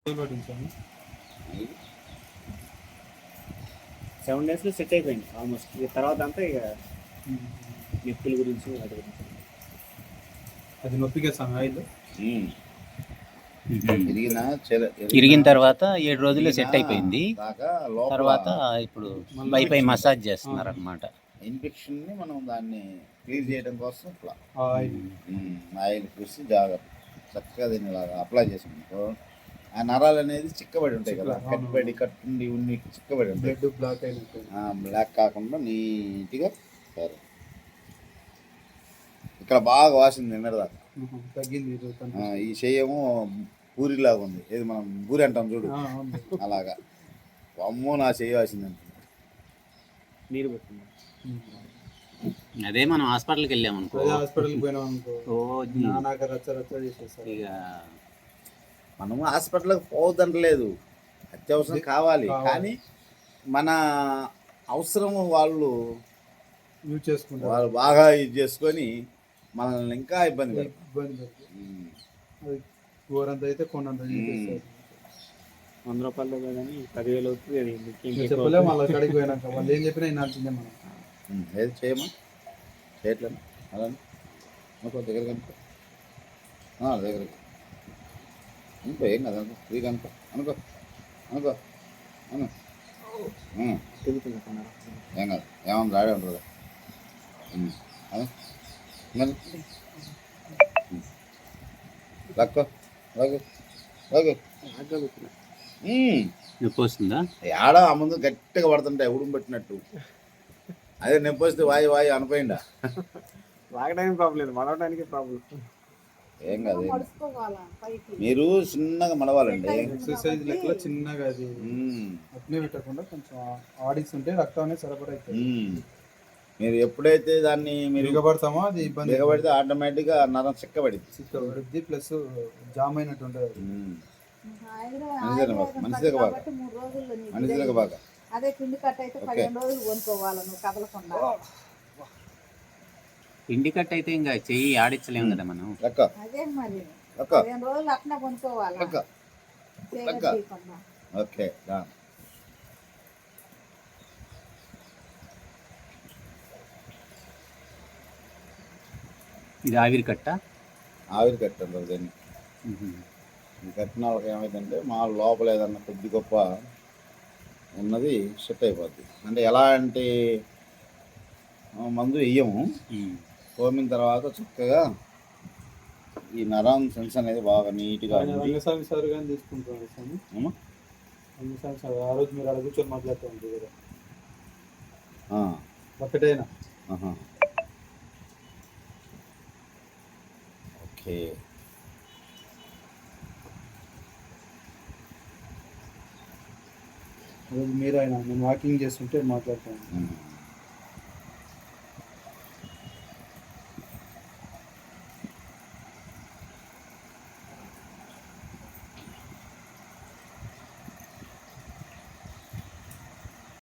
పట్టించాను. 7 డేస్లో సెట్ అయిపోయింది ఆల్మోస్ట్. ఇక తర్వాత అంతా ఇక నొప్పుల గురించి వాటి గురించి. అది నొప్పికే ఆయిల్ ఇరిగిన తర్వాత 7 రోజుల్లో సెట్ అయిపోయింది. తర్వాత ఇప్పుడు పై మసాజ్ చేస్తున్నారు అనమాట. ఇన్ఫెక్షన్ని మనం దాన్ని క్లియర్ చేయడం కోసం ఇట్లా ఆయిల్ పూసి జాగ్రత్త చక్కగా దీన్ని ఇలాగా అప్లై చేసాం. ఆ నరాలు అనేది చిక్కబడి ఉంటాయి కదా, కట్టుండి ఉన్ని చిక్కబడి ఉంటాయి. బ్లాక్ అయినట్టు బ్లాక్ కాకుండా నీట్గా సరే. ఇక్కడ బాగా వాసింది నిన్నటిదాకా, తగ్గింది. ఈ చెయ్యేమో పూరిలాగా ఉంది. ఏది మనం పూరి అంటాం చూడు, అలాగా. అమ్మో నా చెయ్యి వాసిందంటే నీరు పెట్టింది. అదే మనం హాస్పిటల్కి వెళ్ళాం అనుకో, హాస్పిటల్కి పోయినాం అనుకో, ఇక మనము హాస్పిటల్కి పోవద్దంటలేదు, అత్యవసరం కావాలి. కానీ మన అవసరం వాళ్ళు యూజ్ చేసుకుంటారు. వాళ్ళు బాగా యూజ్ చేసుకొని మనల్ని ఇంకా ఇబ్బంది పెడతారు. ఘోరంత అయితే కొన్నంత 100 రూపాయలు కానీ 10,000 అవుతుంది. చెప్పలేము వాళ్ళ కడికి పోయినాక. వాళ్ళు ఏం చెప్పినా వినాల్సిందే మనం. ఏది చేయమా చేయట్లేదు అలా అనుకో, దగ్గరికి అనుకో, దగ్గరికి అనుకో, ఏం కదా అనుకో, ఫ్రీగా అనుకో, అనుకో అనుకో అను, ఏం కాదు, ఏమన్నా రాడే ఉంటుంది. లక్కో లగ్గు లగ్గు నొప్పి వస్తుందా? ఏడా ఆ ముందు గట్టిగా పడుతుంటాయి ఉడుము పెట్టినట్టు. అదే నొప్పి వస్తే వాయి అనుకోయిందా? లాగడానికి ప్రాబ్లం లేదు, మడవడానికి ప్రాబ్లం. ఏం కాదు, మీరు చిన్నగా మడవాలండి. ఎక్సర్సైజ్ లెక్కలో చిన్నగా అది అట్నే పెట్టకుండా కొంచెం ఆడిస్తుంటే రక్తం అనేది సరఫరా అవుతుంది. మీరు ఎప్పుడైతే దాన్ని మీరు దిగబడతామో అది ఇబ్బంది. దిగబడితే ఆటోమేటిక్గా నరం చిక్కబడిద్ది, ప్లస్ జామ్ అయినట్టు ఉంటుంది. మనిషిలకు బాగా అదే పిండి కట్ అయితే 15 రోజులు కొనుక్కోవాలి నువ్వు కదలకుండా. పిండి కట్ అయితే ఇంకా చెయ్యి ఆడించలేము కదా మనం. అదే మరి 15 రోజులు అట్లా కొనుక్కోవాలి. ఓకే, ఇది ఆవిరి కట్ట. ఆవిరి కట్టండి దాన్ని. ఈ కట్టిన వాళ్ళకి ఏమైందంటే మా లోపల ఏదన్నా కొద్ది గొప్ప ఉన్నది సెట్ అయిపోద్ది. అంటే ఎలాంటి మందు వేయము, తోమిన తర్వాత చక్కగా ఈ నరం సెన్స్ అనేది బాగా నీట్గా తీసుకుంటాం. ఆ రోజు మీరు అలా కూర్చొని మాట్లాడుతూ ఉంటుంది కదా ఒకటేనా? ఓకే, మీరు ఆయన నేను వాకింగ్ చేస్తుంటే మాట్లాడతాను.